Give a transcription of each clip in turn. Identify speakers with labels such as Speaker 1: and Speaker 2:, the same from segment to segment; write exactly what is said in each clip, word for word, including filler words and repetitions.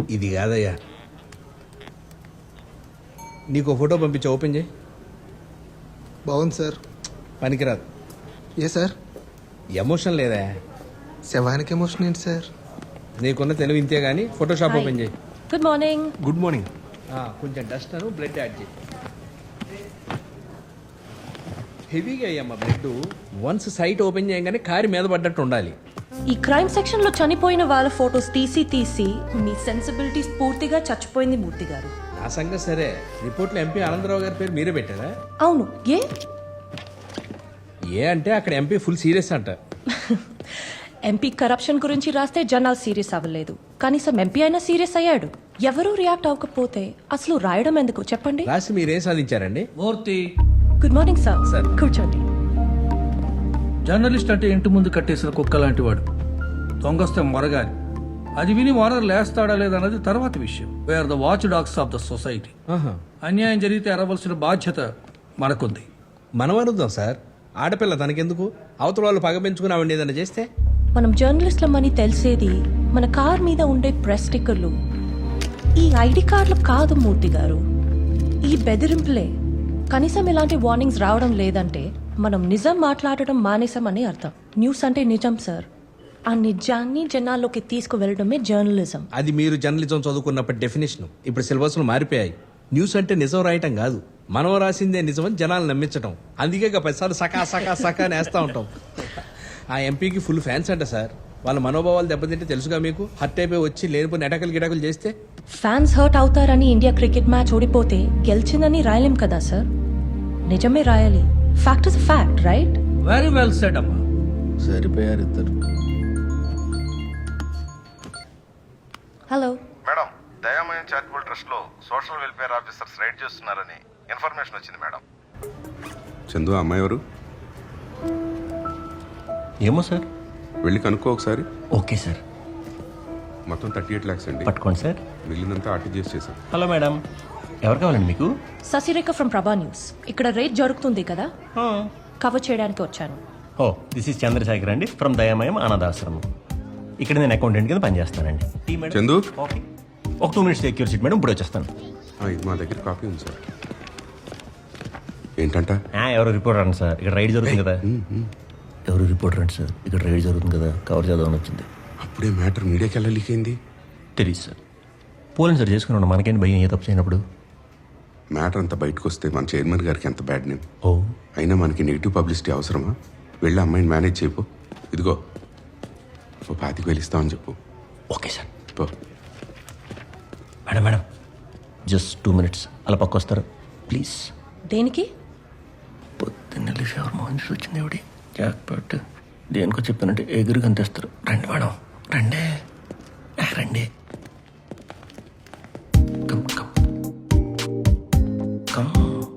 Speaker 1: ఇది కాదయ్యా, నీకు ఫోటో పంపించి ఓపెన్ చేయి.
Speaker 2: బాగుంది సార్.
Speaker 1: పనికిరాదు.
Speaker 2: ఏ సార్?
Speaker 1: ఎమోషన్ లేదా?
Speaker 2: శవానికి ఎమోషన్ ఏంటి సార్?
Speaker 1: నీకున్న తెలివి ఇంతే కానీ ఫోటోషాప్ ఓపెన్ చేయి.
Speaker 3: Good morning.
Speaker 1: Good morning. కొంచెం డస్ట్ అను బ్లడ్ యాడ్ చేయి. హెవీగా అయ్యమ్మా బ్లడ్. వన్స్ సైట్ ఓపెన్ చేయగానే కారి మీద పడ్డట్టు ఉండాలి.
Speaker 3: ఈ క్రైమ్ సెక్షన్ లో చనిపోయిన వాళ్ళ ఫోటోస్ తీసి తీసి మీ సెన్సిబిలిటీస్ పూర్తిగా చచ్చిపోయింది మూర్తి గారు.
Speaker 1: నా సంగతి సరే, రిపోర్ట్లో ఎంపీ ఆనందరావు గారి పేరు మీరే పెట్టారా?
Speaker 3: అవును. ఏ
Speaker 1: ఏ అంటే అక్కడ ఎంపీ ఫుల్ సీరియస్ అంట.
Speaker 3: ఎంపీ కరప్షన్ గురించి రాస్తే జనాలు సీరియస్ అవ్వలేదు, కనీసం ఎంపీ అయినా సీరియస్ అయ్యాడు. ఎవరూ రియాక్ట్ అవ్వకపోతే అసలు రాయడం ఎందుకు చెప్పండి?
Speaker 1: రాసి మీరేం సాధించారండి?
Speaker 4: Murthy,
Speaker 3: good morning sir.
Speaker 1: Sir
Speaker 3: కూర్చోండి.
Speaker 4: జర్నలిస్ట్ అంటే ఇంటి ముందు కట్టేసిన కుక్క లాంటి వాడు. దొంగస్తే మొరగాలి. అది విని ఓనర్ లేస్తాడా లేదన్నది తర్వాత విషయం. We are the watch dogs of the society. అన్యాయం జరిగితే ఎరవలసిన బాధ్యత మనకుంది.
Speaker 1: మనం అనుద్దాం సార్, ఆడపిల్ల తనకెందుకు? అవతల వాళ్ళు పగ పెంచుకుని ఆవిడ ఏదైనా చేస్తే?
Speaker 3: మనం జర్నలిస్ట్లమని తెలిసేది మన కార్ మీద ఉండే ప్రెస్ స్టిక్కర్లు, ఈ ఐడి కార్డులు కాదు మూర్తి గారు, ఈ బెదిరింపులే. కనీసం ఇలాంటి వార్నింగ్స్ రావడం లేదంటే మనం నిజం మాట్లాడటం మానేసామని అర్థం. న్యూస్ అంటే నిజం సార్. ఆ నిజాన్ని జనాల్లోకి తీసుకువెళ్ళడమే జర్నలిజం.
Speaker 1: అది మీరు జర్నలిజం చదువుకున్నప్పటి డెఫినేషన్. ఇప్పుడు సిలబస్లు మారిపోయాయి. న్యూస్ అంటే నిజం రాయటం కాదు, మనం రాసిందే నిజం అని జనాలు నమ్మించడం. అందుకే పదిసార్లు సకా సకా సకా అని వేస్తూ ఉంటాం. ఆ ఎంపీకి ఫుల్ ఫ్యాన్స్ అంట సార్. వాళ్ళ మనోభావాలు దెబ్బతింటే తెలుసుగా మీకు. హర్ట్ అయిపోయి వచ్చి లేనిపోయిన ఎటకలు గిటకలు చేస్తే
Speaker 3: ఫ్యాన్స్ హర్ట్ అవుతారని ఇండియా క్రికెట్ మ్యాచ్ ఓడిపోతే గెలిచిందని రాయలేం కదా సార్. నిజమే రాయాలి. Fact is fact, right?
Speaker 4: Very well said అమ్మా.
Speaker 1: సరిపోయారు ఇద్దరు.
Speaker 3: Hello
Speaker 5: madam, Dayamayam charitable trust లో సోషల్ వెల్ఫేర్ ఆఫీసర్స్ రైడ్ చేస్తున్నారని ఇన్ఫర్మేషన్ వచ్చింది మేడం.
Speaker 6: చందు, అమ్మాయి ఎవరు?
Speaker 7: ఏమో సార్,
Speaker 6: వెళ్ళి కనుక్కో ఒకసారి.
Speaker 7: Okay sir.
Speaker 6: మొత్తం థర్టీ ఎయిట్ ల్యాక్స్ అండి.
Speaker 7: పట్టుకోండి సార్.
Speaker 6: మిగిలినంతా ఆర్టీజీఎస్ చేశాం.
Speaker 7: హలో మేడం, ఎవరు కావాలండి మీకు?
Speaker 3: Sasirekha from Prabha news. ఇక్కడ రేట్ జరుగుతుంది కదా, కవర్ చేయడానికి వచ్చాను.
Speaker 7: ఓ, దిస్ ఇస్ చంద్రశేఖర్ అండి ఫ్రమ్ దయామయం అనాథాశ్రమం. ఇక్కడ నేను అకౌంటెంట్ కింద పనిచేస్తానండి. Tea madam?
Speaker 6: చందు,
Speaker 7: ఓకే, ఒక two minutes secure seat madam, ఇప్పుడు వచ్చేస్తాను.
Speaker 6: ఆ, ఇది మా దగ్గర కాపీ ఉంది సార్. ఏంటంట?
Speaker 7: ఆ, ఎవరు రిపోర్టర్ అండి సార్, ఇక్కడ రైడ్ జరుగుతుంది కదా. ఎవరు రిపోర్టర్ అండి సార్, ఇక్కడ రైడ్ జరుగుతుంది కదా, కవర్ చేద్దామని వచ్చింది.
Speaker 6: అప్పుడే మ్యాటర్ మీడియాకి ఎలా లీక్ అయింది?
Speaker 7: తెలియదు సార్. పోలీసు సార్ చేసుకున్నాడు, మనకేంటి భయం ఏ తప్పు చేయనప్పుడు.
Speaker 6: మ్యాటర్ అంతా బయటకు వస్తే మన చైర్మన్ గారికి ఎంత బ్యాడ్ నేమ్.
Speaker 7: ఓ,
Speaker 6: అయినా మనకి నెగిటివ్ పబ్లిసిటీ అవసరమా? వెళ్ళి అమ్మాయిని మేనేజ్ చేయపో. ఇదిగో ఓ పాతికి వెళ్ళిస్తామని చెప్పు.
Speaker 7: Okay sir.
Speaker 6: పో.
Speaker 7: Madam madam just two minutes అలా పక్క వస్తారు ప్లీజ్.
Speaker 3: దేనికి?
Speaker 7: పొద్దున్న ఎవరు మోహన్ చూసి వచ్చింది ఎవడి జాక్ పట్టు దేనికో చెప్పానంటే ఎగురు కనిపిస్తారు. రండి మేడం, రండి ఆ, రండి. Come come come.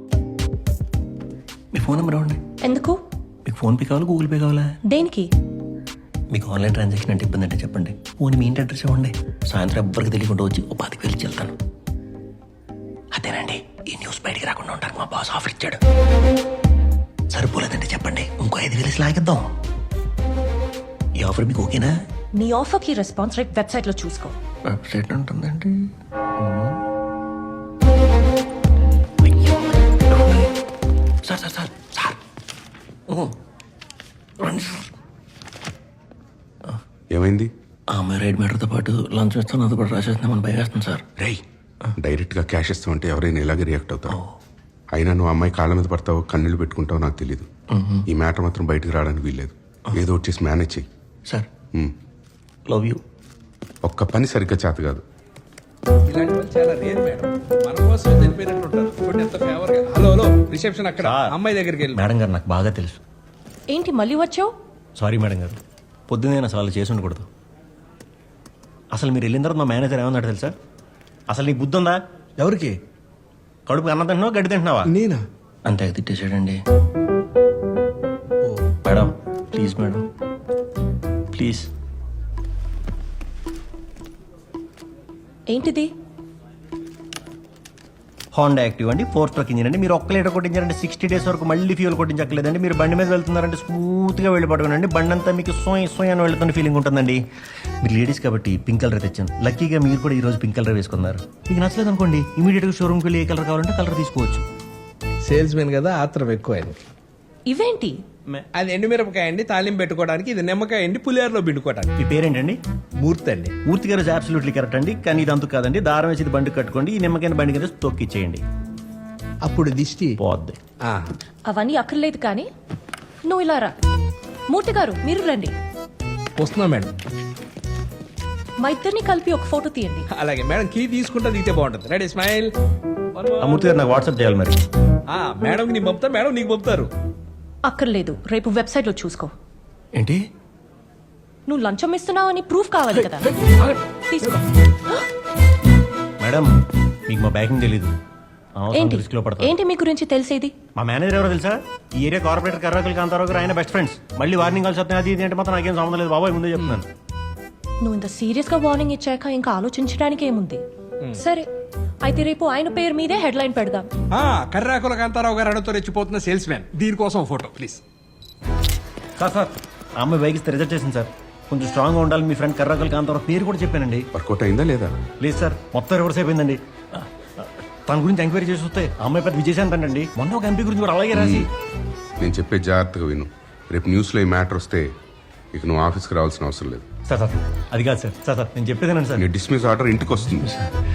Speaker 7: మీ ఫోన్ నెంబర్ ఇవ్వండి.
Speaker 3: ఎందుకు?
Speaker 7: మీకు ఫోన్పే కావాలా, గూగుల్ పే కావాలా?
Speaker 3: దేనికి?
Speaker 7: మీకు ఆన్లైన్ ట్రాన్సాక్షన్ అంటే ఇబ్బంది అంటే చెప్పండి, ఫోన్ మీ ఇంటి అడ్రస్ ఇవ్వండి. సాయంత్రం ఎవ్వరికి తెలియకుండా వచ్చి ఓ పాతికి వెళ్ళి వెళ్తాను. అదేనండి, ఈ న్యూస్ బయటికి రాకుండా ఉంటారు. మా బాస్ ఆఫర్ ఇచ్చాడు. సరిపోలేదంటే చెప్పండి, ఇంకో ఐదు వేలు లాగిద్దాం. ఈ ఆఫర్ మీకు ఓకేనా?
Speaker 3: నీ ఆఫర్ కి రెస్పాన్స్ రేట్ వెబ్సైట్ లో చూసుకో.
Speaker 7: వెబ్సైట్ ఉంటుందండి. సార్ సార్ సార్ సార్ రండి సార్.
Speaker 6: ఏమైంది?
Speaker 7: ఆ అమ్మాయి రైడ్ మీటర్తో పాటు లంచ్ ఇస్తాను, అది కూడా రాసేస్తున్నామని భయం వేస్తుంది సార్.
Speaker 6: రేయ్, డైరెక్ట్గా క్యాష్ ఇస్తామంటే ఎవరైనా ఇలాగే రియాక్ట్ అవుతావు. అయినా నువ్వు అమ్మాయి కాళ్ళ మీద పడతావు, కన్నీళ్ళు పెట్టుకుంటావు నాకు తెలియదు. ఈ మ్యాటర్ మాత్రం బయటకు రావడానికి వీల్లేదు. ఏదో వచ్చేసి మేనేజ్ చెయ్యి.
Speaker 7: Sir, love you.
Speaker 6: ఒక్క పని సరిగ్గా చేత కాదు.
Speaker 1: ఇలాంటి వాళ్ళు చాలా రేర్ మేడం. మన కోసం చనిపోయినట్టు ఉంటారు. చూడండి ఎంత ఫేవర్ గా. హలో హలో, రిసెప్షన్ అక్కడ, అమ్మాయి దగ్గరికి వెళ్ళి.
Speaker 7: మేడం గారు నాకు బాగా తెలుసు.
Speaker 3: ఏంటి మళ్ళీ వచ్చావు?
Speaker 7: సారీ మేడం గారు, పొద్దున్నే నేను అసలు చేసి ఉండకూడదు. అసలు మీరు వెళ్ళిన తర్వాత మా మేనేజర్ ఏమన్నాడు తెలుసా? అసలు నీకు బుద్ధి ఉందా?
Speaker 1: ఎవరికి?
Speaker 7: కడుపు అన్నం తింటున్నావా, గడ్డి తింటున్నావా?
Speaker 1: నేనా?
Speaker 7: అంతే తిట్టేసాడండి. Madam please madam please.
Speaker 3: ఏంటిది?
Speaker 7: హోండా యాక్టివ్ అండి, ఫోర్ స్ట్రోక్ ఇంజిన్ అండి. మీరు ఒక్క లీటర్ కొట్టించారంటే సిక్స్టీ డేస్ వరకు మళ్ళీ ఫ్యూల్ కొట్టించక్కలేదండి. మీరు బండి మీద వెళ్తున్నారంటే స్మూత్గా వెళ్ళి పడుకోనండి. బండి అంతా మీకు సోయ్ సోయ్ అని వెళ్తున్న ఫీలింగ్ ఉంటుందండి. మీరు లేడీస్ కాబట్టి పింక్ కలర్ తెచ్చాను. లక్కీగా మీరు కూడా ఈ రోజు పింక్ కలర్ వేసుకున్నారు. మీకు నచ్చలేదు అనుకోండి, ఇమీడియట్గా షోరూమ్కి వెళ్ళి ఏ కలర్ కావాలంటే కలర్ తీసుకోవచ్చు.
Speaker 1: సేల్స్ మెన్ కదా, ఆత్రం ఎక్కువైంది.
Speaker 3: ఇవేంటి?
Speaker 1: అది ఎండుమిరపకాయ అండి, తాలింపు పెట్టుకోవడానికి. ఇది నిమ్మకాయ అండి, పులిహోరలో పిండుకోవడానికి.
Speaker 7: మీ పేరేంటండి?
Speaker 1: మూర్తి అండి.
Speaker 7: మూర్తి గారు అబ్సల్యూట్లీ కరెక్ట్ అండి. కానీ ఇది అంతకు కాదండి. దారం వేసి ఇది బండి కట్టుకోండి, ఈ నిమ్మకాయ బండి కింద తొక్కిచ్చేయండి,
Speaker 1: అప్పుడు దిష్టి
Speaker 7: పోద్ది.
Speaker 1: ఆ,
Speaker 3: అవన్నీ అక్కర్లేదు కానీ నువ్వు ఇలా రా. మూర్తి గారు మీరు రండి.
Speaker 1: వస్తున్నా మేడం.
Speaker 3: మా ఇద్దరిని కలిపి ఒక ఫోటో తీయండి.
Speaker 1: అలాగే మేడం, కీ తీసుకుంటా దిగితే బాగుంటుంది. Ready, smile.
Speaker 7: ఆ మూర్తి గారు నాకు వాట్సాప్ చేయాలి మరి.
Speaker 1: మేడం నీకు పంపుతా, మేడం నీకు పంపుతారు.
Speaker 3: అక్కర్లేదు, రేపు వెబ్సైట్ లో చూసుకో.
Speaker 7: ఏంటి?
Speaker 3: నువ్వు లంచం ఇస్తున్నావు అని ప్రూఫ్ కావాలి కదా, తీసుకో.
Speaker 7: మేడం మీకు మా బ్యాకింగ్ తెలీదు.
Speaker 3: ఏంటి
Speaker 7: రిస్క్ లో పడతా.
Speaker 3: ఏంటి మీ గురించి తెలిసేది?
Speaker 7: మా మేనేజర్ ఎవరో తెలుసా? ఈ ఏరియా కార్పొరేటర్ కర్రాకులు కాంతారావు గారు ఆయన బెస్ట్ ఫ్రెండ్స్. మళ్ళీ వార్నింగ్ కాల్స్ వస్తాయి, అది ఇది అంటే మాత్రం నాకేం సంబంధం లేదు బాబాయ్, ముందే చెప్తున్నాను.
Speaker 3: నువ్వు ఇంత సీరియస్ గా వార్నింగ్ ఇచ్చాక ఇంకా ఆలోచించడానికి ఏముంది? సరే అయితే రేపు ఆయన పేరు మీదే హెడ్ లైన్ పెడదాం.
Speaker 1: కర్రాకుల కాంతారావు గారు అడతో రెచ్చిపోతున్న సేల్స్ మ్యాన్. దీనికోసం ఫోటో ప్లీజ్.
Speaker 7: సార్ సార్ ఆ అమ్మాయి బైక్ ఇస్తే రిజెక్ట్ చేసింది సార్. కొంచెం స్ట్రాంగ్గా ఉండాలి. మీ ఫ్రెండ్ కర్రాకులు కాంతారావు పేరు కూడా చెప్పానండి.
Speaker 6: వర్కౌట్ అయిందా లేదా?
Speaker 7: లేదు సార్, మొత్తం రివర్స్ అయిపోయిందండి. తన గురించి ఎంక్వైరీ చేసి వస్తే ఆ అమ్మాయి పెద్ద విజయశాంత్ అండి. మొన్న ఒక ఎంపీ గురించి కూడా అలాగే రాసి.
Speaker 6: నేను చెప్పే జాగ్రత్తగా విను. రేపు న్యూస్లో ఈ మ్యాటర్ వస్తే ఇక నువ్వు ఆఫీస్కి రావాల్సిన అవసరం లేదు.
Speaker 7: సార్ సార్ అది కాదు సార్. సార్ సార్ నేను చెప్పేదేనండి సార్.
Speaker 6: నీ డిస్మిస్ ఆర్డర్ ఇంటికి వస్తుంది.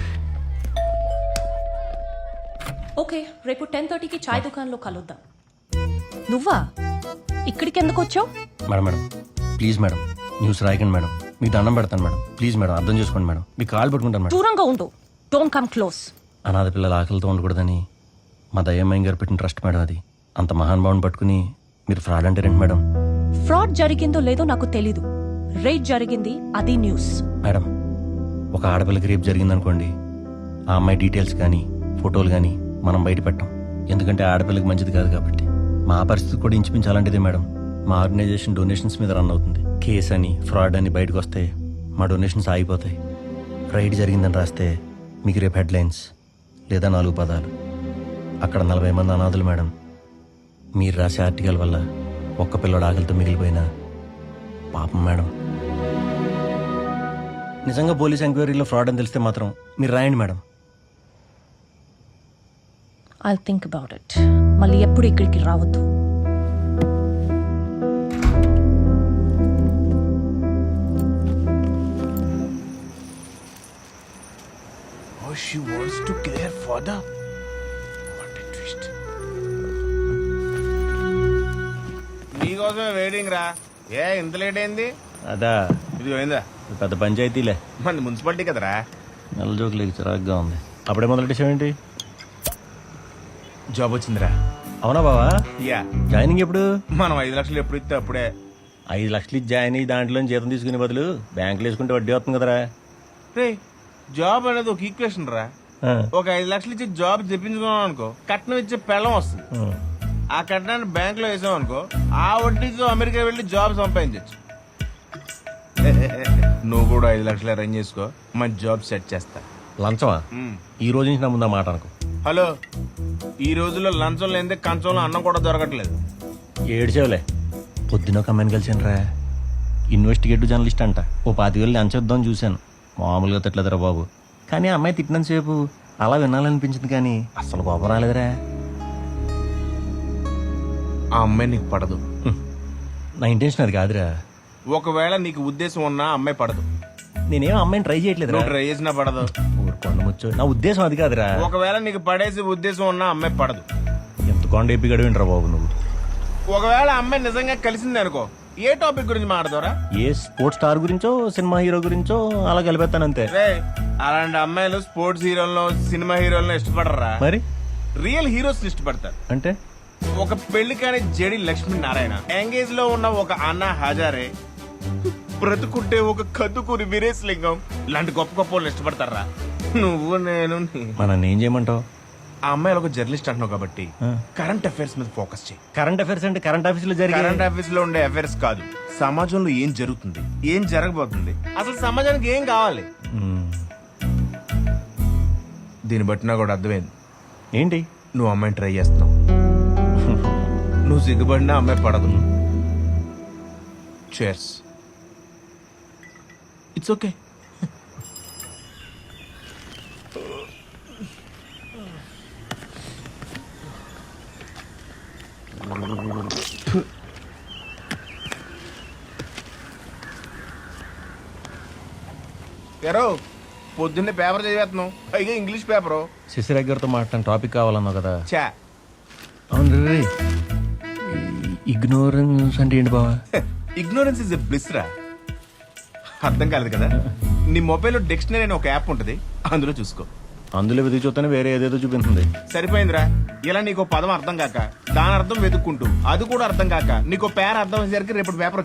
Speaker 3: ఓకే, రేపు టెన్ థర్టీకి చాయ్ దుకాణంలో కలుద్దాం. నువ్వా ఇక్కడికి ఎందుకు వచ్చావు?
Speaker 7: Madam madam please madam news రాయకండి మేడం. మీకు దండం పెడతాను మేడం. ప్లీజ్ మేడం అర్థం చేసుకోండి మేడం. మీకు కాల్ పెట్టుకుంటాను మేడం.
Speaker 3: దూరంగా ఉండు, డోంట్ కమ్ క్లోజ్.
Speaker 7: అనాథ పిల్లల ఆకలితో ఉండకూడదని మా దయ్యమ్మాయి గారు పెట్టిన ట్రస్ట్ మేడం అది. అంత మహానుభావుని పట్టుకుని మీరు ఫ్రాడ్ అంటే రండి మేడం.
Speaker 3: ఫ్రాడ్ జరిగిందో లేదో నాకు తెలీదు. రేట్ జరిగింది, అది న్యూస్.
Speaker 7: మేడం ఒక ఆడపిల్లకి రేపు జరిగిందనుకోండి, ఆ అమ్మాయి డీటెయిల్స్ కానీ ఫోటోలు కానీ మనం బయట పెట్టాం. ఎందుకంటే ఆడపిల్లకి మంచిది కాదు కాబట్టి. మా పరిస్థితి కూడా ఇంచుమించు అలాంటిదే మేడం. మా ఆర్గనైజేషన్ డొనేషన్స్ మీద రన్ అవుతుంది. కేస్ అని ఫ్రాడ్ అని బయటకు వస్తే మా డొనేషన్స్ ఆగిపోతాయి. రైడ్ జరిగిందని రాస్తే మీకు రేపు హెడ్లైన్స్ లేదా నాలుగు పదాలు. అక్కడ నలభై మంది అనాథులు మేడం. మీరు రాసే ఆర్టికల్ వల్ల ఒక్క పిల్లడు ఆకలితో మిగిలిపోయినా పాపం మేడం. నిజంగా పోలీస్ ఎంక్వైరీలో ఫ్రాడ్ అని తెలిస్తే మాత్రం మీరు రాయండి madam.
Speaker 3: I'll think about it. మళ్ళీ ఎప్పుడు ఇక్కడికి రావద్దు.
Speaker 8: She wants to kill her father. What a twist.
Speaker 5: నీకోసమే వెయిటింగ్ రా. ఏ ఇంత లేట్ అయింది?
Speaker 7: అదా
Speaker 5: ఇది పోయిందా?
Speaker 7: పెద్ద పంచాయతీలే.
Speaker 5: మన మున్సిపాలిటీ కదరా.
Speaker 7: నెల జోకులు చిరాగ్గా ఉంది. అప్పుడే మొదలెట్టేసావేంటి?
Speaker 5: జాబ్ వచ్చిందిరా.
Speaker 7: అవునా బావా?
Speaker 5: యా.
Speaker 7: జాయినింగ్ ఎప్పుడు?
Speaker 5: మనం ఐదు లక్షలు ఎప్పుడు ఇస్తే అప్పుడే.
Speaker 7: ఐదు లక్షలు ఇచ్చి జాయిన్ అయ్యి దాంట్లో జీతం తీసుకునే బదులు బ్యాంకులో వేసుకుంటే వడ్డీ వస్తుంది కదరా.
Speaker 5: రే జాబ్ అనేది ఒక ఈక్వేషన్ రా.
Speaker 7: ఆ,
Speaker 5: ఒక ఐదు లక్షలు ఇచ్చి జాబ్ తెప్పించుకున్నాం అనుకో, కట్నం ఇచ్చే పెళ్ళం వస్తుంది.
Speaker 7: ఆ.
Speaker 5: ఆ కట్నాన్ని బ్యాంక్ లో వేసాం అనుకో, ఆ వడ్డీతో అమెరికా వెళ్ళి జాబ్ సంపాదించచ్చు. నువ్వు కూడా ఐదు లక్షలు అరేంజ్ చేసుకో, మంచి జాబ్ సెట్ చేస్తా.
Speaker 7: లంచమా?
Speaker 5: మ్.
Speaker 7: ఈ రోజు నుంచి నా ముందు ఆ మాట అనుకో.
Speaker 5: హలో, ఈ రోజుల్లో లంచం లేనిదే కంచంలో అన్నం కూడా దొరకట్లేదు.
Speaker 7: ఏడ్చేవులే. పొద్దున ఒక అమ్మాయిని కలిసాను రా, ఇన్వెస్టిగేటివ్ జర్నలిస్ట్ అంట. ఓ పాతి వేలు లంచేద్దామని చూశాను. మామూలుగా తిట్టలేదురా బాబు. కానీ ఆ అమ్మాయి తిట్టినంతసేపు అలా వినాలనిపించింది కానీ అసలు కోపం రాలేదురా.
Speaker 5: ఆ అమ్మాయి నీకు పడదు.
Speaker 7: హ్మ్. నా ఇంటెన్షన్ అది కాదురా.
Speaker 5: ఒకవేళ నీకు ఉద్దేశం ఉన్నా ఆ అమ్మాయి పడదు.
Speaker 7: నేనేం అమ్మాయిని ట్రై చేయట్లేదు.
Speaker 5: నువ్వు ట్రై చేసినా పడదు.
Speaker 7: కొండ ముచ్చు. నా ఉద్దేశం అది కాదురా.
Speaker 5: ఒకవేళ నీకు పడేసి ఉద్దేశం ఉన్నా అమ్మాయి పడదు.
Speaker 7: ఎంత కొండ ఎప్పి గడివింటరా బాబు నువ్వు.
Speaker 5: ఒకవేళ అమ్మాయి నిజంగా కలిసింది అనుకో, ఏ టాపిక్ గురించి మాట్లాడతారా?
Speaker 7: ఏ స్పోర్ట్స్ స్టార్ గురించో సినిమా హీరో గురించో అలా కలిపేస్తాను అంతే.
Speaker 5: రే అలాంటి అమ్మాయిలు స్పోర్ట్స్ హీరోలను సినిమా హీరోలను ఇష్టపడరా.
Speaker 7: మరి
Speaker 5: రియల్ హీరోస్ ఇష్టపడతారు.
Speaker 7: అంటే
Speaker 5: ఒక పెళ్లి కాని జడి లక్ష్మీ నారాయణ, ఎంగేజ్ లో ఉన్న ఒక అన్నా హజారే, బ్రతుకుంటే ఒక కద్దుకూరి వీరేశ్ లింగం లాంటి గొప్ప గొప్ప వాళ్ళు ఇష్టపడతారా. నువ్వు నేను నీ-
Speaker 7: మన ఏం చేయమంటావు?
Speaker 5: ఆ అమ్మాయిలు ఒక జర్నలిస్ట్ అంటున్నావు కాబట్టి
Speaker 7: ఆ.
Speaker 5: కరెంట్ అఫైర్స్ మీద ఫోకస్ చేయి.
Speaker 7: కరెంట్ అఫైర్స్ అంటే కరెంట్ ఆఫీస్ లో జరిగే
Speaker 5: కరెంట్ అఫైర్స్ లో ఉండే అఫైర్స్ కాదు, సమాజంలో ఏం జరుగుతుంది, ఏం జరగబోతుంది, అసలు సమాజానికి ఏం కావాలి.
Speaker 7: మ్మ్.
Speaker 5: దీన్ని బట్టి నాకు కూడా అర్థమైంది,
Speaker 7: ఏంటి
Speaker 5: నువ్వు అమ్మాయిని ట్రై చేస్తున్నావు. నువ్వు సిగ్గుపడినా అమ్మాయి పడదు. చేర్స్. It's okay. ఎరో పొద్దున్నే పేపర్ చదివేస్తున్నావు, పైగా ఇంగ్లీష్ పేపరు.
Speaker 7: శశిరేఖ గారితో మాట్లాడిన టాపిక్ కావాలన్నావు కదా.
Speaker 5: చా
Speaker 7: అవును రే, ఇగ్నోరెన్స్ అంటే ఏంటి బావా?
Speaker 5: ఇగ్నోరెన్స్ ఇస్ ఎ బ్లిస్ రా. అర్థం కాలేదు కదా. నీ మొబైల్లో డిక్షనరీ అనే ఒక యాప్ ఉంటుంది, అందులో చూసుకో.
Speaker 7: అందులో వెతికి చూస్తేనే వేరే ఏదేదో చూపిస్తుంది.
Speaker 5: సరిపోయిందిరా. ఇలా నీకు పదం అర్థం కాక దాని అర్థం వెతుక్కుంటూ అది కూడా అర్థం కాక నీకు పేర అర్థం అయ్యేసరికి రేపు పేపర్